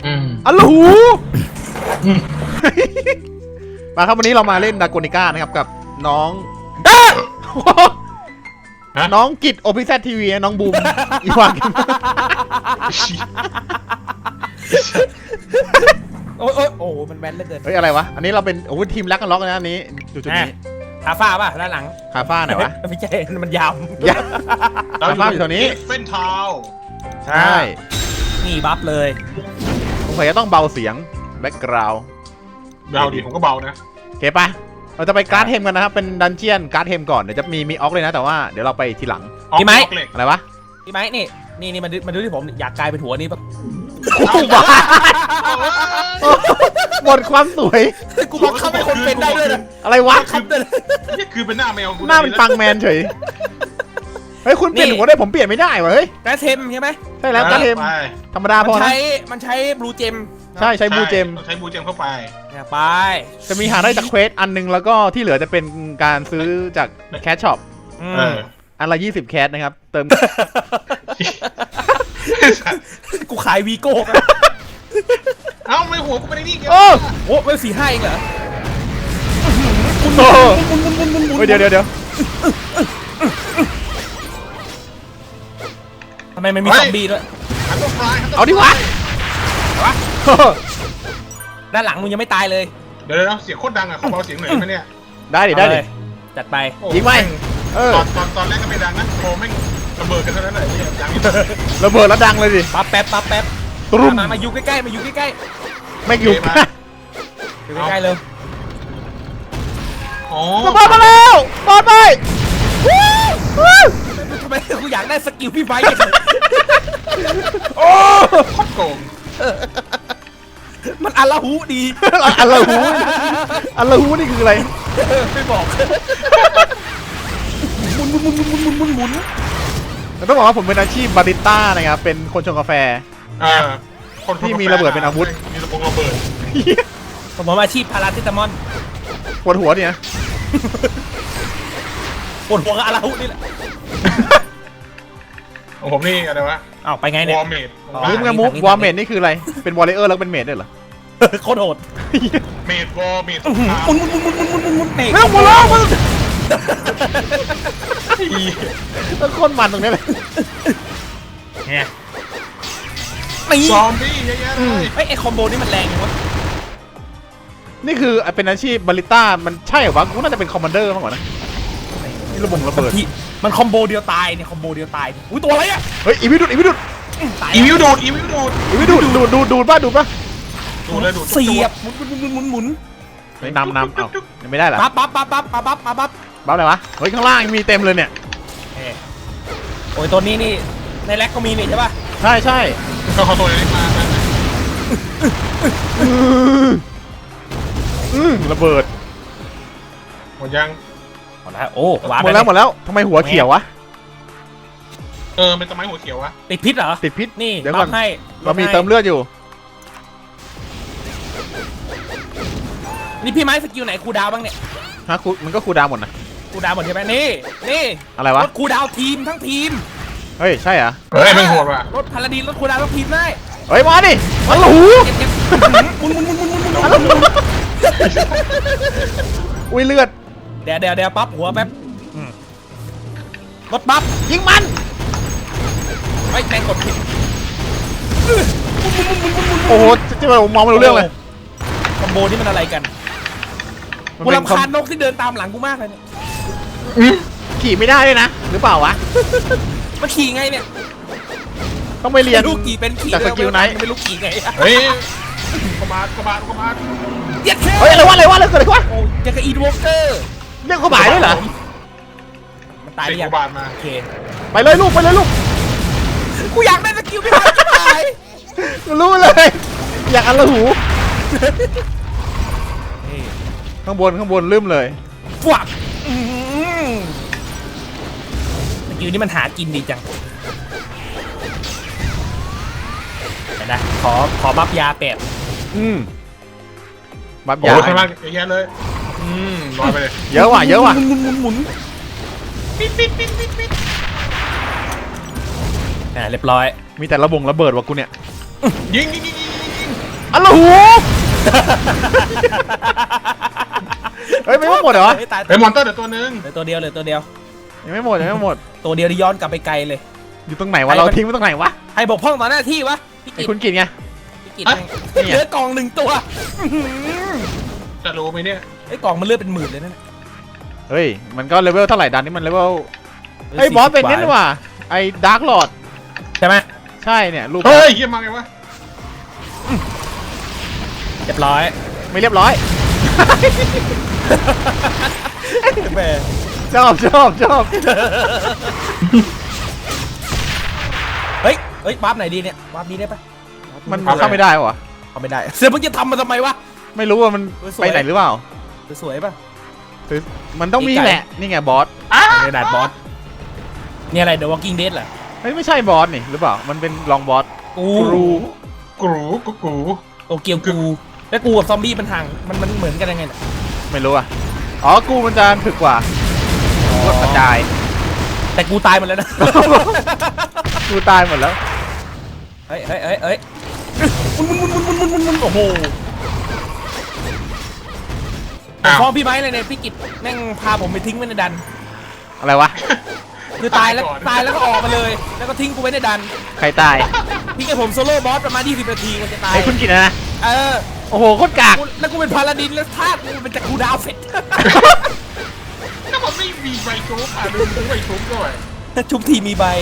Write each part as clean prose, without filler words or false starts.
อัลหูมาครับวันนี้เรามาเล่นดาโกนิก้านะครับกับน้องน้องกิจโอพิเซทีวีน้องบูมอีวานโอ้มันแมนเหลือเกินเฮ้ยอะไรวะอันนี้เราเป็นโอ้ทีมรักกันล็อกนะอันนี้จุดนี้คาฟ้าป่ะด้านหลังคาฟ้าไหนวะไม่ใช่มันยาวคาฟ้าอยู่แถวนี้เฟ้นเท้าใช่นี่บัฟเลยผมจะต้องเบาเสียงแบ็กกราวด์เบาดิผมก็เบานะโอเคปะเราจะไปการ์ดเทมกันนะครับเป็นดันเจียนการ์ดเทมก่อนเดี๋ยวจะมีออกเลยนะแต่ว่าเดี๋ยวเราไปทีหลังพี่ไม้อะไรวะพี่ไม้นี่มาดูที่ผมอยากกลายเป็นหัวนี้แบบหมดความสวยกูบังคับให้คนเป็นได้ด้วยนะอะไรวะนี่คือเป็นหน้าแมวหน้าเป็นปังแมนเฉยเฮ้ยคุณเปลี่ยนหัวได้ผมเปลี่ยนไม่ได้วะเฮ้ยการ์ดเทมใช่ไหมใช่แล้วการ์ดเทมธรรมดาพอนะมันใช้บลูเจมใช่บลูเจมใช้บลูเจมเข้าไปไปจะมีหาได้จากเควสอันนึงแล้วก็ที่เหลือจะเป็นการซื้อจากแคชช็อปอันละ20แคชนะครับเติมกูขายวีโก้เอ้าไม่หัวกูไปในนี่โอ้ไม่4-5เองเหรอเดี๋ยวทำไมมันมีซอมบี้ด้วยเอาดิวะด้านหลังมึงยังไม่ตายเลยเดี๋ยวเสียงโคตรดังอ่ะขอเบาเสียงหน่อยไหมเนี่ยได้ดิจัดไปยิงไหมตอนแรกก็ไม่ดังนะพอแม่งระเบิดกันเท่านั้นแหละดังระเบิดแล้วดังเลยดิปั๊บแป๊บตุ้มมาอยู่ใกล้ๆไม่อยู่ใกล้ๆเลยระเบิดมาแล้วปอดไปทำไมกูอยากได้สกิลพี่ไฟโอ้โคตรโกงมันอัลลาหูดีอัลลาหูนี่คืออะไรไม่บอกหมุนต้องบอกว่าผมเป็นอาชีพบาริสต้านะครับเป็นคนชงกาแฟคนที่มีระเบิดเป็นอาวุธมีระเบิดผมอาชีพพาราเซตามอลปวดหัวเนี่ยปวดหัวกับอัลลาหูนี่แหละของผมนี่อะไรวะอ้าวไปไงเนี่ยวอร์เมดวอร์เมดนี่คืออะไรเป็นวอลเลเยอร์แล้วเป็นเมดด้วยเหรอโคตรโหดเมดวอร์เมดมุนเมดแล้วหมดแล้วมึงต้นคนมันตรงนี้เลยเนี่ยซอมบี้เยอะแยะเลยไอ้คอมโบนี่มันแรงจังวะนี่คือเป็นอาชีพบาริสต้ามันใช่เหรอวะกูน่าจะเป็นคอมมานเดอร์มากกว่านะนี่ระเบิดมันคอมโบเดียวตายเนี่ยคอมโบเดียวตายอุ้ยตัวอะไรอ่ะเฮ้ยอีวิวดูดอีวิวดูดป่ะเสียบหมุนไม่นำเอายังไม่ได้เหรอปั๊บอะไรวะเฮ้ยข้างล่างมีเต็มเลยเนี่ยโอ้ยตัวนี้นี่ในแร็กก็มีนี่ใช่ป่ะใช่เขาตัวนี้มาระเบิดหมดยังหมดแล้วโอ้หมดแล้วทำไมหัวเขียววะเป็นทำไมหัวเขียววะติดพิษเหรอติดพิษนี่เดี๋ยวก่อนให้เรามีเติมเลือดอยู่นี่พี่ไม้สกิลไหนคูดาวบ้างเนี่ยฮะมันก็คูดาวหมดนะคูดาวหมดใช่ไหมนี่อะไรวะรถคูดาวทีมทั้งทีมเฮ้ยใช่เหรอไม่โหดว่ะรถพาราดินรถคูดาวทั้งทีมได้เฮ้ยมาดิมันหูมุนอุ้ยเลือดเดี๋ยวปั๊บหัวแป๊บรถปั๊บยิงมันไม่แรงกดผิดโอ้โหจะมองไม่รู้เรื่องเลยคอมโบนี่มันอะไรกันกูรำคาญนกที่เดินตามหลังกูมากเลยเนี่ยขี่ไม่ได้เลยนะหรือเปล่าวะมันขี่ไงเนี่ยต้องไปเรียนลูกขี่เป็นขี่จากสกิลไหนไม่รู้ขี่ไงเฮ้ยกบาดเฮ้ยอะไรวะเกิดอะไรวะโอ้ยจะกระอีดวอล์กเกอร์เรียกกบาดด้วยเหรอมันตายหรือยังโอเคไปเลยลูกกูอยากได้สกิลพี่ไม้ตายรู้เลยอยากอัลลาหูข้างบนลืมเลยฟักสกิลนี้มันหากินดีจังเห็นไหมขอบัฟยาแปดบัฟยาข้างล่างเยอะเลยน้อยไปเลยเยอะว่ะหมุนปิดเรียบร้อยมีแต่ระเบิดว่ะกูเนี่ยยิงอัลโหลเฮ้ยไม่หมดเหรอตายไอ้มอนเตอร์เดี๋ยวตัวนึงเหลือตัวเดียวเหลือตัวเดียวยังไม่หมดยังไม่หมดตัวเดียวที่ย้อนกลับไปไกลเลยอยู่ตรงไหนวะเราทิ้งไว้ตรงไหนวะให้บกพร่องต่อหน้าที่วะพี่ไอ้กิตคุณกินไงพี่กิตเหลือกล่องหนึ่งตัวจะรู้ไหมเนี่ยไอ้กล่องมันเลือดเป็นหมื่นเลยนั่นเฮ้ยมันก็เลเวลเท่าไหร่ดันนี่มันเลเวลไอ้บอสเป็นนี่นี่ว่ะไอ้ดาร์กลอร์ดใช่ไหมใช่เนี่ยรูปเฮ้ยเฮียมาไงวะเรียบร้อยไม่เรียบร้อยแหมชอบเฮ้ยวาร์ปไหนดีเนี่ยวาร์ปนี้ได้ปะมันเข้าไม่ได้วะเอาไม่ได้เสือมึงจะทำมันทำไมวะไม่รู้ว่ามันไปไหนหรือเปล่าสวยปะมันต้องมีแหละนี่ไงบอสกระดาษบอสนี่อะไร The Walking Dead เหรอไม่ใช่บอสนี่หรือเปล่ามันเป็นรองบอสกูกรูกูโตเกียวกูแล้วกูกับซอมบี้มันห่างมันเหมือนกันยังไงเนี่ยไม่รู้อ่ะอ๋อกูมันจะถึกกว่ากูกระจายแต่กูตายหมดแล้วนะกูตายหมดแล้วเฮ้ยมุนโอ้โหพ่อพี่ไม้เลยเนี่ยพี่กิตแม่งพาผมไปทิ้งไว้ในดันอะไรวะคือตายแล้วก็ออกมาเลย แล้วก็ทิ้งกูไว้ในดันใครตายพี่กับผมโซโล่บอสประมาณ20 นาทีมันจะตายไอ้คุณกินนะ โอ้โหโคตรกากแล้วกูเป็นพาลาดินแล้วท่ากูเป็นจากกูดาวเสร็จถ้ามันไม่มีใบชุบอ่ะดูใบชุบด้วยชุบทีมีใบ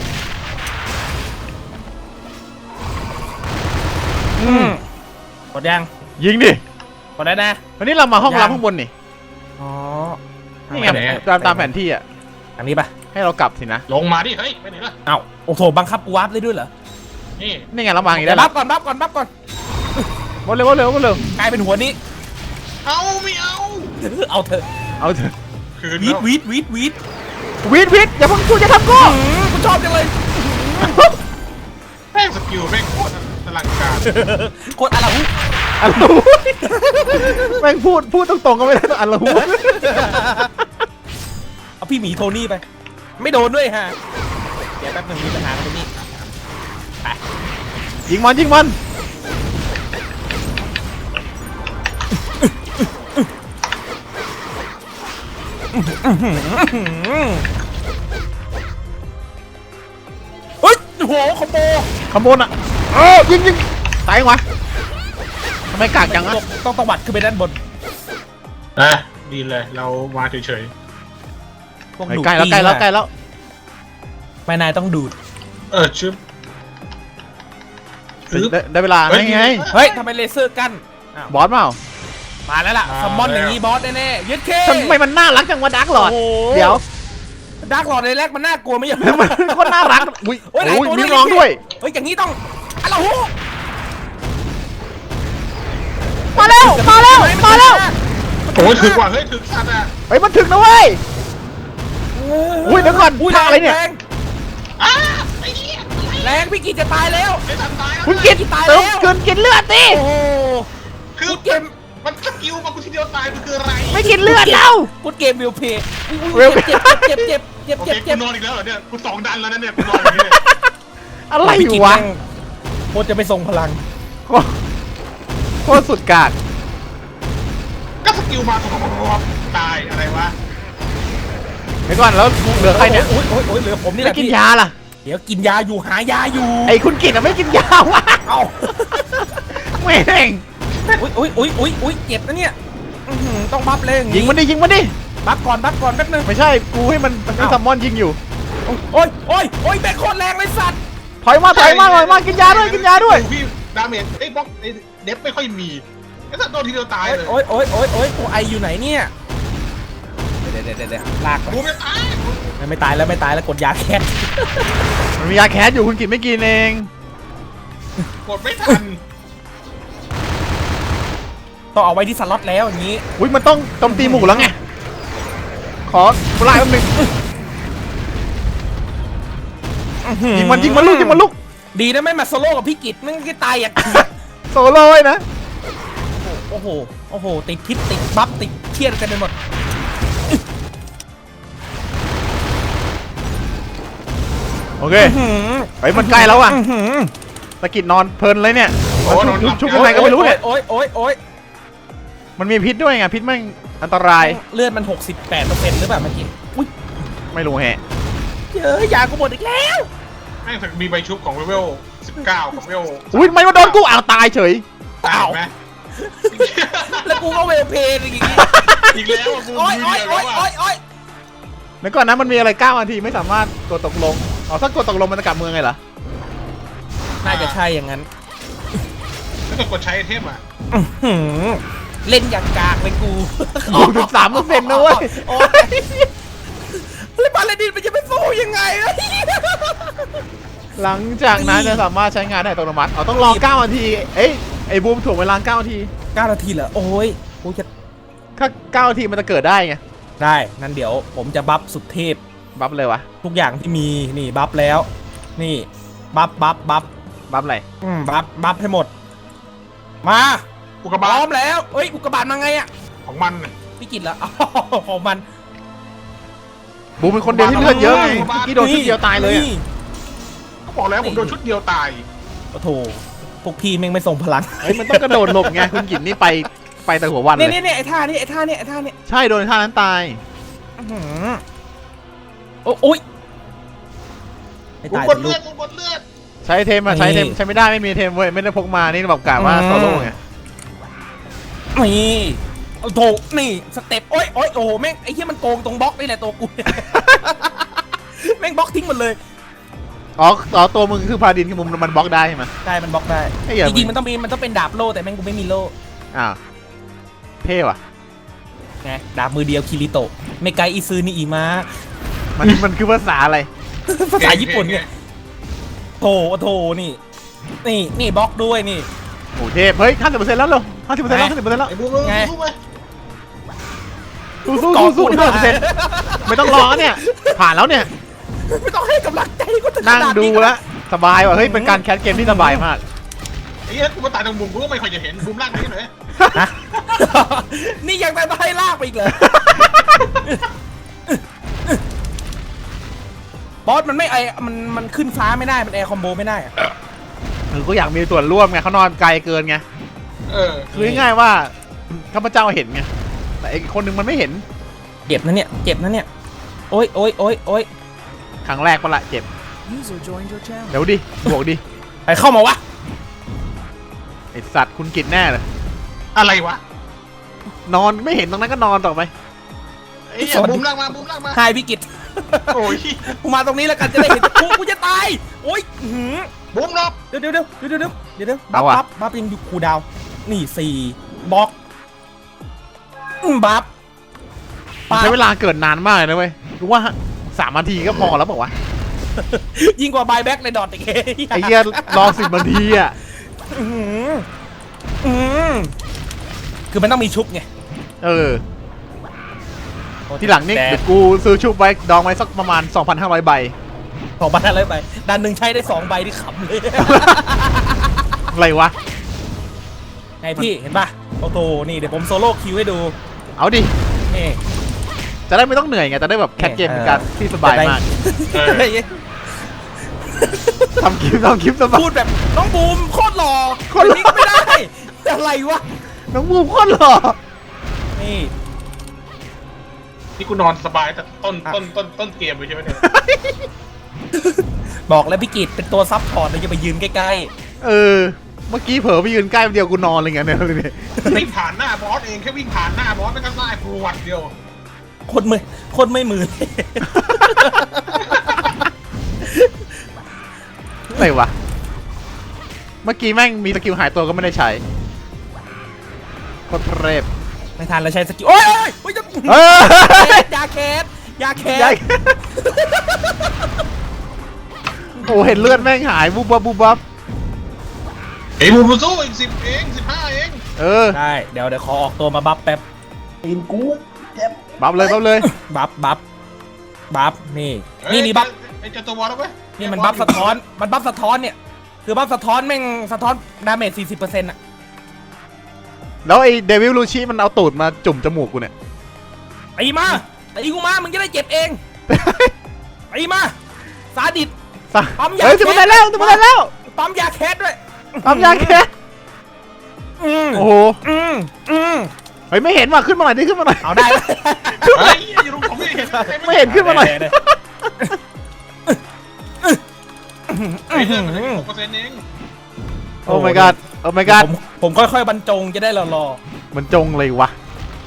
กดยังยิงดิกดได้นะวันนี้เรามาห้องรับข้างบนนี่อ๋อนี่ไงตามแผนที่อ่ะทางนี้ปะให้เรากลับสินะลงมาดิเฮ้ยไปไหนล่ะเอ้าโอ้โหบังคับกูวาร์ปได้ด้วยเหรอนี่นี่ไงเราวางอีกเดี๋แล้ยว วบัฟก่อนหมดเร็วเร็วเร็วกลายเป็นหัวนี้เอาไม่เอาเอาเถอะเอาเถอะคืนวีแล้ดววิทอย่าเพิ่งกูจะทำกูกูชอบจังเลยแม่งสกิลแม่งโคตรอลังการกดอะไรหูอัลโหลแม่งพูดตรงๆก็ไม่ได้ต้องอัลโหลเอาพี่หมีโทนี่ไป ไม่โดนด้วยฮะเดี๋ยวแป๊บนึงมีปัญหาตรงนี้ไปยิงมันเฮ้ยโอ้โหคอมโบขโมยอ่ะยิงตายยังวะทำไมกากจังอ่ะต้องตวัดขึ้นไปด้านบนอ่ะดีเลยเรามาเฉยพวกใกดูดล้แล้วไม่นายต้องดูดชึบได้เวลาไงเฮ้ยทำไมเลเซอร์กั้นอ้าวบอสเปล่ามาแล้วล่ะซัมมอนอย่างนี้บอสแน่ๆยึดเคทำไมมันน่ารักจังวะดาร์กหลอดโอ้โหเดี๋ยวดาร์กหลอดในแรกมันน่ากลัวไหมอย่างมันโคตรน่ารักอุ้ยโอ้ยหลายตัวมีร้องด้วยเฮ้ยอย่างนี้ต้องอะไรหูมาแล้วโอ้ยถึกว่ะเฮ้ยถึกสัตว์อ่ะเฮ้ยมันถึงนะเว้ย อุ้ยเดี๋ยวก่อนท่าอะไรเนี่ยอ้าไอ้เหี้ยแรงพี่กิจจะตายแล้วไอ้ทันตายคุณกินตายแล้วกินเลือดสิโอ้โหคือเกมมันสกิลมากูทีเดียวตายมันคืออะไรไม่กินเลือดเราพูดเกมวิวเพย์ Will เจ็บเจ็บโอเคเจ็บกูนอนอีกแล้วเหรอเนี่ยกู2 ดันแล้วนะเนี่ยกูนอนอย่างนี้เลยอะไรอยู่วะโคตรจะไปทรงพลังโคตรสุดกากก็สกิลมาตายอะไรวะเดี๋ยวก่อนแล้วเหลือใครเนี่ยโอ้ยเหลือผมนี่แหไม่ละกินพี่ยาล่ะเดี๋ยวกินยาอยู่หายาอยู่ไอ้คุณกินอะไม่กินยาวะเอ้าแม่งอุ้ยเจ็บนะเนี่ยต้องบัฟเลยยิงมันดิบัฟก่อนแป๊บนึงไม่ใช่กูให้มันให้ซัมมอนยิงอยู่โอ้ยแบกโคตรแรงเลยสัตว์ถอยมากินยาด้วยพี่ดาเมจไอ้บล็อกไอ้เดฟไม่ค่อยมีไอ้สัตว์โดนทีเดียวตายเลยโอ้ยตัวไออยู่ไหนเนี่ยเดี๋ยวลากกูไม่ตายไม่ตายแล้วกดยาแคสมันมียาแคสอยู่คุณกินไม่กินเองกดไม่ทันต้องเอาไว้ที่สล็อตแล้วอย่างนี้อุ้ยมันต้องโจมตีหมู่แล้วไงขอปลายแป๊บนึงยิงมันลูกดีนะไม่มาโซโล่กับพี่กิตมึงก็ตายอ่ะโซโล่เลยนะโอ้โหติดพิษติดบัฟติดเครียดกันไปหมดโอเคไปมันใกล้แล้วอ่ะตะกิดนอนเพลินเลยเนี่ยโอ้นอนหลับชุบยังไงก็ไม่รู้เนี่ยโอ๊ยมันมีพิษด้วยไงพิษแม่งอันตรายเลือดมัน 68%หรือเปล่าเมื่อกี้อุ้ยไม่รู้แฮะเยอะยากูหมดอีกแล้วแม่งมีใบชุบของเลเวล19กับเลเวลอุ้ยไม่มาโดนกูอ้าวตายเฉยตายไหมแล้วกูก็เวลเพลย์อย่างงี้อีกแล้วอะกูโอ๊ยมือเดียวแล้วอะแล้วก่อนนั้นมันมีอะไร9 นาทีไม่สามารถกดตกลงอ๋อถ้ากดตกลงมันจะกลับเมืองไงเหรอน่าจะใช่อย่างนั้นแล้วก็กดใช้ไอเทมอ่ะอื้อหือเล่นอย่างกากเลยกู 63%นะเว้ยโอ๊ยแล้วบาลาดินมันจะไปสู้ยังไงอะหลังจากนั้นจะสามารถใช้งานได้อัตโนมัติอ๋อต้องรอ9 นาทีเอ้ยไอ้บูมถ่วงเวลา9 นาที 9 นาทีเหรอโอ้ยกูจะถ้า9 นาทีมันจะเกิดได้ไงได้นั่นเดี๋ยวผมจะบัฟสุดเทพบัฟเลยวะทุกอย่างที่มีนี่บัฟแล้ว นี่บัฟบัฟอะไรบัฟให้หมด มาอุกกาพร้บาอตมแล้วเอ้ยอุกกาบาตมาไงอะของมันน่ะพี่กิตเหรออ๋อของมันบูมเป็นคนเดียวที่เลือดเยอะไงเมื่อกี้โดนทีเดียวตายเลยอะนี่ก็บอกแล้วผมโดนชุดเดียวตายโอ้โถพวกพี่แม่งไม่ส่งพลังเฮ้ยมันต้องกระโดดหลบไงคุณกินนี่ไปแต่หัววันเลเนี่ยยเนี่ยไอ้ท่านี่ไอ้ท่านี่ไอ้ท่านี่ใช่โดนท่านั้นตายอื้อหือโอ้ยไม่กูตายกดสิเลืลูอก ดกูกดเลือดใช้เทมอะใช้เทมใช้ไม่ได้ไม่มีเทมเว้ยไม่ได้พกมานี่แบบกะว่าโซโล่ไงนี่โอ้โถนี่สเต็ปโอ้ยโอ้โหแม่งไอ้เหี้ยมันโกงตรงบล็อกนี่แหละตัวกู แม่งบล็อกทิ้งหมดเลยอ๋อตัวมึงคือพาดินคือมุมมันบล็อกได้ใช่ไหมได้มันบล็อกได้ไอ้เหี้ยจริงๆมันต้องเป็นดาบโล่แต่แม่งกูไม่มีโล่อ้าวเท่ว่ะไงดาบมือเดียวคิริโตะเมไกอิซึนี่อีมามันคือภาษาอะไรภาษาญี่ปุ่นเนี่ยโถโถนี่บล็อกด้วยนี่โอ้เทพเฮ้ย50%แล้วเหรอ50%แล้ว50%แล้วไอ้บูมไงสู้ไหมสู้50%ไม่ต้องรอเนี่ยผ่านแล้วเนี่ยไม่ต้องให้กำลังใจกูถึงขนั่งนาดดูนี้แล้วสบายว่ะเฮ้ยเป็นการแคสเกมที่สบายมากไอ้เหี้ยกูมาตายตรงมุมกูก็ไม่ค่อยจะเห็นมุมล่างนี้หน่อยฮะ นี่ยังไปให้ลากไปอีกเลยบอสมันไม่มันขึ้นฟ้าไม่ได้มันแอร์คอมโบไม่ได้อะก็อยากมีส่วนร่วมไงเขานอนไกลเกินไงเออคือง่ายๆว่าข้าพเจ้าเห็นไงแต่อีกคนนึงมันไม่เห็นเจ็บนะเนี่ยโอ๊ยครั้งแรกปะละเจ็บเดี๋ยวดิบวกดิไปเข้ามาวะไอสัตว์คุณกินแน่เลยอะไรวะนอนไม่เห็นตรงนั้นก็นอนต่อไปไอ้เหี้ยบูมล่างมาบูมล่างมาไฮพี่กิตโอ้ยกูมาตรงนี้แล้วกันจะได้เห็นกูจะตายโอ๊ยอื้อหือบูมรอบเดี๋ยวบัฟยังอยู่คูลดาวน์นี่4บล็อกบัฟใช้เวลาเกิดนานมากเลยนะเว้ยรู้ว่า3 นาทีก็พอแล้วบอกว่ายิ่งกว่าบายแบ็กเลยดอทอีกไอ้เหี้ยรอ10 นาทีอ่ะคือมันต้องมีชุบไงเออทีหลังนี่เดี๋ยวกูซื้อชุบไว้ดองไว้สักประมาณ 2,500 ใบของบ้านอะไรไปดันหนึ่งใช้ได้2 ใบที่ขำเลยอะไรวะไงพี่เห็นป่ะโอ้โหนี่เดี๋ยวผมโซโล่คิวให้ดูเอาดินี่จะได้ไม่ต้องเหนื่อยไงจะได้แบบแคทเกมเป็นการที่สบายมาก ทำคลิปสบายพูดแบบน้องบูมโคตรหล่อโคตรหล่อนี้ก็ไม่ได้อะไรวะน้องบูมโคตรหล่อนี่นี่กูนอนสบายแต่ต้นเกมเลยใช่ไหมเนี่ยบอกแล้วพี่กิตเป็นตัวซับพอร์ตเลยจะไปยืนใกล้เออเมื่อกี้เผลอไปยืนใกล้เดียวกูนอนเลยไงเนี่ยวิ่งผ่านหน้าบอสเองแค่วิ่งผ่านหน้าบอสไม่ก็ไล่ปวดเดียวๆคนไม่มืออะไรวะเมื่อกี้แม่งมีสกิลหายตัวก็ไม่ได้ใช้โคตรเทพไม่ทันแล้วใช้สกิลโอ๊ยจะเออยาแคสโอ้เห็นเลือดแม่งหายบูบับไอ้บูมสู้อีก10 เอง 15 เองเออได้เดี๋ยวขอออกตัวมาบัฟแป๊บบับเลยบัฟนี่บัฟไอ้เจ้าตัวบอลแล้วไหมนี่มันบัฟสะท้อนเนี่ยคือบัฟสะท้อนแม่งสะท้อนดาเมจ 40%อ่ะแล้วไอ้เดวิลลูชิมันเอาตูดมาจุ่มจมูกกูเนี่ยตีกูมามึงจะได้เจ็บเองตีมาซาดิส ปั๊มยาเฮ้ยจะมาได้แล้วปั๊มยาแคสด้วยปั๊มยาแคส โอ้โห เฮ้ยไม่เห็นว่ะขึ้นมาหน่อยดิขึ้นมาหน่อยเอาได้เฮ้ยอย่าลงผมไม่เห็นไม่เห็นขึ้นมาหน่อยไอ้เรื่องมัน6%เองโอ้ my god โอ้ my god ผมค่อยๆบรรจงจะได้รอมันจงเลยวะ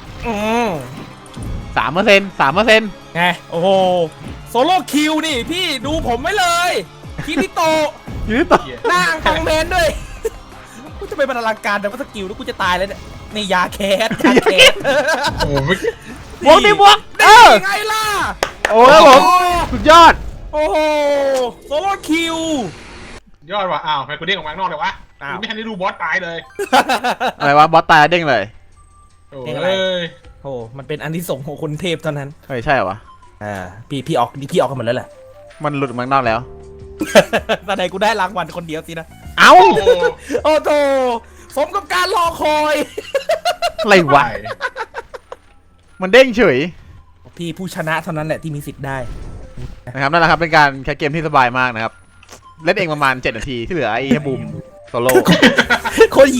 3% ไงโอ้โหโซโล่คิวนี่พี่ดูผมไว้เลยคิริโตะยืดต่อหน้าอังคังแมนด้วยกูจะไปบรรลังการแต่ว่าสกิลแล้วกูจะตายแล้วเนี่ยนี่ยาแคสโอ้ไม่บวกดิบวกยังไงล่ะโอ้ครับผมสุดยอดโอ้โหโซโล่คิวยอดว่ะอ้าวใครกูเด้งออกมาข้างนอกเลยวะไม่ทันได้ดูบอสตายเลยอะไรวะบอสตายเด้งเลยโอ้ยโอ้มันเป็นอันที่ส่งของคนเทพเท่านั้นเฮ้ยใช่เหรอวะพี่ออกกันหมดแล้วแหละมันหลุดมาข้างนอกแล้วตอนไหนกูได้รางวัลคนเดียวสินะเอ้าโอ้โธ่สมกับการรอคอยอะไรวะมันเด้งเฉยพี่ผู้ชนะเท่านั้นแหละที่มีสิทธิ์ได้นะครับนั่นแหละครับเป็นการแคสเกมที่สบายมากนะครับเล่นเองประมาณ7 นาทีที่เหลือไอ้แค่บูมโซโล่โคตรหยี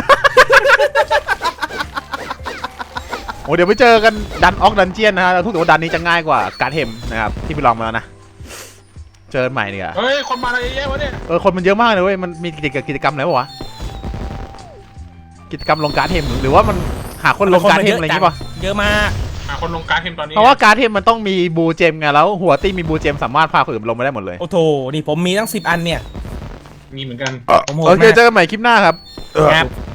โอ้เดี๋ยวไปเจอกันดันออกดันเจียนนะฮะเราทุกตัวดันนี้จะง่ายกว่าการเทมนะครับที่ไปลองมาแล้วนะเจอกันใหม่ดีกว่าเฮ้ยคนมาอะไรเยอะวะเนี่ยคนมันเยอะมากเลยเว้ยมันมีกิจกรรมอะไรวะกิจกรรมลงการเทมหรือว่ามันหาคนลงการเทมอะไรอย่างงี้ป่ะเยอะมากคนลงการเทมตอนนี้เพราะว่าการเทมมันต้องมีบูเจมไงแล้วหัวตี้มีบูเจมสามารถพาคนอื่นลงมาได้หมดเลยโอ้โถนี่ผมมีตั้ง10 อันเนี่ยมีเหมือนกันผมโหดโอเคมากเจอกันใหม่คลิปหน้าครับครับ